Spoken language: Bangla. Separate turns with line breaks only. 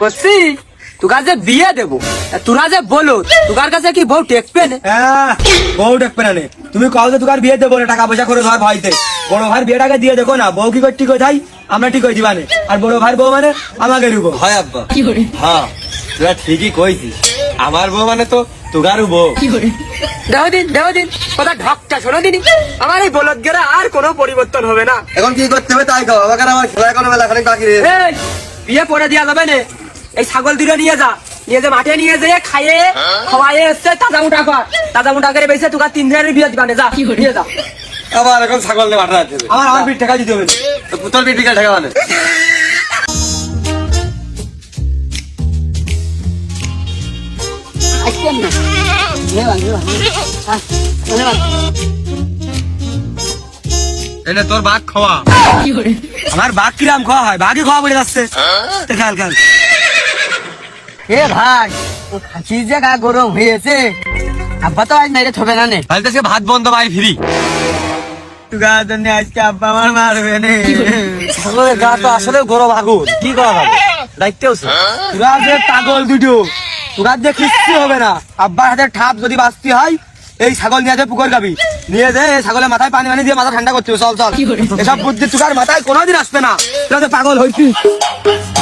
করছি তোকার যে বিয়ে দেবো তোরা যে বলো তোকার কাছে কি বউ টেকবে না?
হ্যাঁ, বউ দেখবে না নে। তুমি কও যে তোকার বিয়ে দেবো না, টাকা পয়সা করে ধর ভাইতে। বড় ভাইয়ের বিয়েটাকে দিয়ে দেখো না, বউ কি করে ঠিক হয়ে যাই আমরা ঠিক হয়ে দিবানে। আর বড় ভাইয়ের বউ মানে আমাকে নিব।
হয় আব্বা, হ্যাঁ তোরা ঠিকই কইছিস। আমার বউ মানে তো তোগারও বউ।
দেহ দিন কথা ঢকটা শোনো দিনি। আমার এই বলদ গেরা আর কোনো পরিবর্তন হবে না।
এখন কি করতে হবে তাই কও, আমাকে আমার খেলা কোনো বেলা খানিক বাকি রে।
এই বিয়ে পরে দেওয়া যাবে না। এই ছাগল দুটো নিয়ে যা মাঠে নিয়ে যেয়ে খাইয়ে খাওয়াইয়ে এসছে তাজা মোটা করে বেঁচে তোকে 3 দিনের বিয়ে দিবানে যা নিয়ে যা।
আবার এখন ছাগল নিয়ে মাঠে যাচ্ছে।
আমার পিঠ টাকা দিতে হবে।
পুতল পিঠ টাকা মানে এনে তোর ভাগ খাওয়া।
আমার বাঘ কিরাম খাওয়া হয়, বাঘই খাওয়া পড়ে যাচ্ছে। খেয়াল খেয়াল।
এ ভাই ও খাসির যে গা গরম হয়েছে আব্বা তো আজ নাইরে থবে না নে।
তাহলে তো আজকে ভাত বন্ধ ভাই ফ্রি।
তুগার জন্য আজকে আব্বা আমার মারবে নে।
ছাগলের গা তো আসলে গরম আগুন কি করা যাবে দায়িত্বও
তুরা যে পাগল দুটো, তুরার যে কিচ্ছু হবে না। আব্বার হাতে ঠাপ যদি বাঁচতে হয়, এই ছাগল নিয়ে যে পুকুর গাবি নিয়ে যে ছাগলের মাথায় পানি দিয়ে মাথা ঠান্ডা করতে হবে। চল চল, এসব বুদ্ধি তুকার মাথায় কোনোদিন আসবে না। তুরা যে পাগল হইছিস।